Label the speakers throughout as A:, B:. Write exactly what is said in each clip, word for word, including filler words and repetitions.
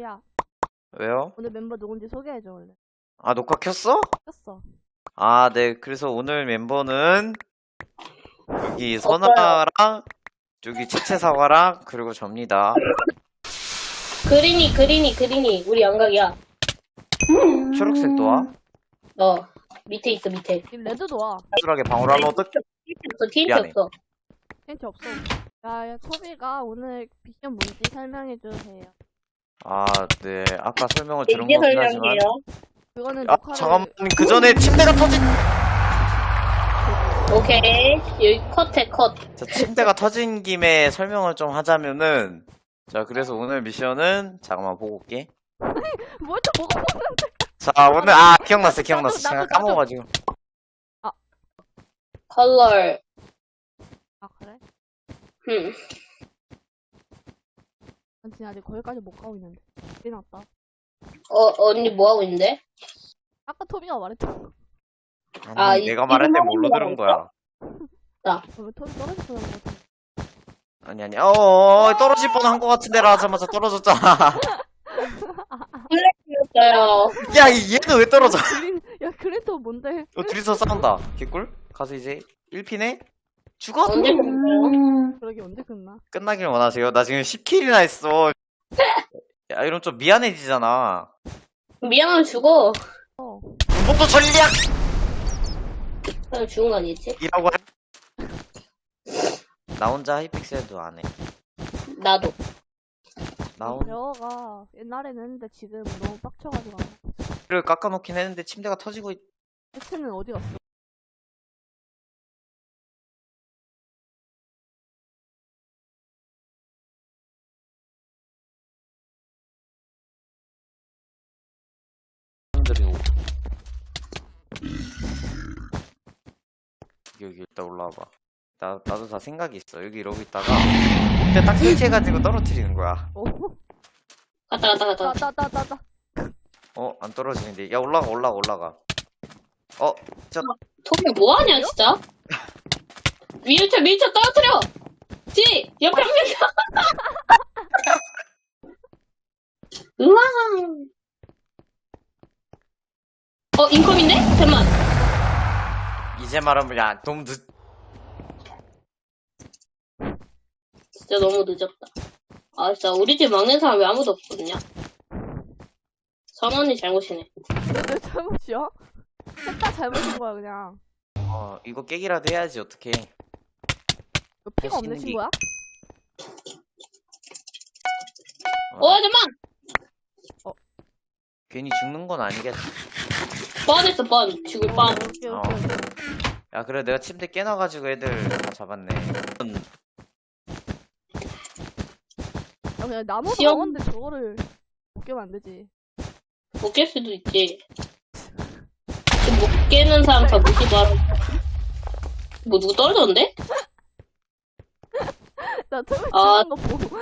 A: 야,
B: 왜요?
A: 오늘 멤버 누군지 소개해줘, 원래.
B: 아, 녹화 켰어?
A: 켰어.
B: 아, 네. 그래서 오늘 멤버는 여기
C: 없어요.
B: 선아랑 여기 채채사과랑 그리고 접니다.
C: 그린이, 그린이, 그린이. 우리 양각이야.
B: 초록색도 와?
C: 어. 밑에 있어, 밑에.
A: 지금 레드도 와.
B: 수술하게 방어를 하면 어떡해?
C: 없어, 티인트
B: 미안해.
C: 없어.
A: 힌트 없어. 야, 야, 토비가 오늘 미션 뭔지 설명해주세요.
B: 아, 네. 아까 설명을 들은
C: 이게
B: 거긴 하지만.
C: 설명이에요.
A: 그거는
B: 아,
A: 녹화를...
B: 잠깐만. 그 전에 침대가 터진,
C: 오케이. 여기 컷해, 컷.
B: 자, 침대가 터진 김에 설명을 좀 하자면은, 자, 그래서 오늘 미션은, 잠깐만 보고 올게.
A: 뭘또 뭐가 먹는데?
B: 자, 오늘, 아, 기억났어, 기억났어.
A: 나도,
B: 제가
A: 나도,
B: 까먹어가지고.
C: 컬러.
A: 아, 그래?
C: 음.
A: 난 지금 아직 거기까지 못 가고 있는데. 큰일 났다.
C: 어, 언니 뭐 하고 있는데?
A: 아까 토비가 말했잖아.
B: 아니,
C: 아, 이-
B: 내가 말할 때
C: 이거
B: 뭘로 들은 거야?
A: 왜 토비 떨어졌어? 는 거지?
B: 아니, 아니, 어어, 떨어질 뻔한 거 같은데라 하자마자 떨어졌잖아.
C: 있어요.
B: 야, 이- 얘는 왜 떨어져?
A: 그린, 야, 그린토 뭔데?
B: 어, 둘이서 싸운다. 개꿀? 가서 이제 일 피네? 죽어?
C: 언제 끝나요?
A: 그러게 언제 끝나?
B: 끝나길 원하세요? 나 지금 십 킬이나 했어. 야, 이러면 좀 미안해지잖아.
C: 미안하면 죽어.
A: 어.
B: 군복도 전략!
C: 그냥 죽은 거 아니지?
B: 이라고 할... 나 혼자 하이픽셀도 안 해.
C: 나도.
B: 나 혼자
A: 대화가 옛날에는 했는데 지금 너무 빡쳐가지고 안 해.
B: 를 깎아놓긴 했는데 침대가 터지고 있...
A: 해체는 어디 갔어?
B: 사람들이 오고. 여기 일단 올라와봐. 나, 나도 다 생각이 있어. 여기 이러고 있다가 근데 딱 설치해가지고 떨어뜨리는 거야.
A: 오.
C: 갔다, 갔다, 갔다.
A: 따, 따, 따, 따.
B: 어? 안 떨어지는데. 야, 올라가, 올라가, 올라가. 어? 저...
C: 토미 뭐하냐, 진짜? 밀쳐, 밀쳐, 떨어뜨려! 지! 옆에 밀쳐! 우와! 어, 인컴인데? 잠깐만.
B: 이제 말하면 야, 너무 늦...
C: 진짜 너무 늦었다. 아, 진짜 우리 집 막는 사람 왜 아무도 없거든요? 선언이 잘못이네.
A: 내 잘못이야? 셋 다 잘못인 거야 그냥.
B: 어, 이거 깨기라도 해야지, 어떡해.
A: 너 피가
B: 할수
A: 없는
B: 있는 게-
A: 친구야?
C: 어, 잠깐만!
B: 괜히 죽는 건 아니겠지.
C: 뻔했어, 뻔. 죽을 뻔.
A: 오케이,
B: 어.
A: 오케이, 오케이.
B: 야, 그래, 내가 침대 깨놔가지고 애들 다 잡았네. 음,
A: 야, 그냥 나무
C: 시험-
A: 나무인데 저거를 못 깨면 안 되지.
C: 못 깰 수도 있지. 못 깨는 사람 다 묻지 마라. 뭐, 누구 떨어졌는데?
A: 나 처음에
C: 아.
A: 죽는 거 보고.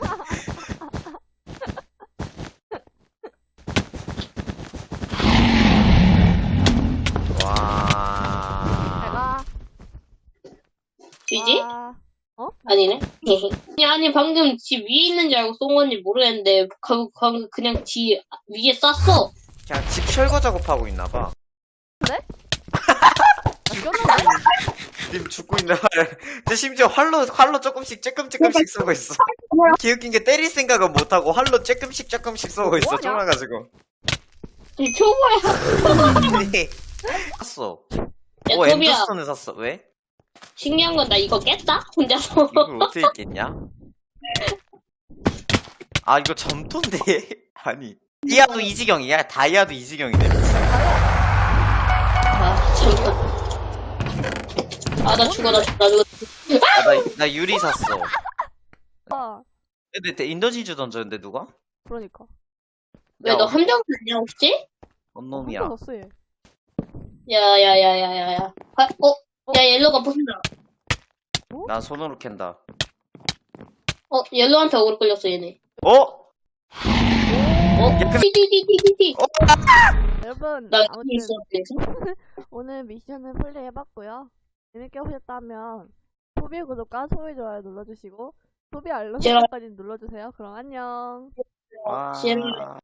B: 와.
A: 내가
C: 쥐지?
A: 와,
C: 아니네. 아니, 아니, 방금 지 위에 있는 줄 알고 쏜 건지 모르겠는데, 그, 그, 그냥 지 위에 쐈어.
B: 그냥 집 철거 작업하고 있나봐.
A: 죽였는데?
B: 님 죽고 있나 봐. 근데 심지어 활로, 활로 조금씩, 조금씩 쏘고 있어. 기웃긴 게 때릴 생각은 못하고 활로 조금씩, 조금씩 쏘고 있어.
A: 뭐하냐?
B: 쫄아가지고.
C: 이 초보야.
B: 샀어.
C: 야,
B: 오,
C: 토비야.
B: 엔더스톤을 샀어. 왜?
C: 신기한 건 나 이거 깼다? 혼자서.
B: 이걸 어떻게 깼냐? 아, 이거 점토인데? 아니. 다이아도 이지경이야. 다이아도 이지경이네.
C: 아, 잠깐. 아, 나 죽어, 나 죽어, 나 죽어.
B: 아, 나, 나 유리 샀어.
A: 아,
B: 근데 인더지주 던졌는데 누가?
A: 그러니까.
C: 왜 너 함정 아니야, 혹시?
B: 언놈이야.
A: 한번 넣었어 얘.
C: 야, 야, 야, 야, 야, 야. 아, 어? 야, 옐로가 부순다.
B: 난 손으로 캔다.
C: 어, 옐로한테 억울 끌렸어, 얘네.
B: 어?
C: 어? 티티티티티티.
A: 여러분
C: 나
A: 아무튼
C: 여기 있어,
A: 오늘 미션을 플레이해봤고요. 재밌게 보셨다면 소비의 구독과 소비 좋아요 눌러주시고 소비 알람
C: 제가-
A: 설정까지 눌러주세요. 그럼 안녕.
B: 와.
C: 싫어요.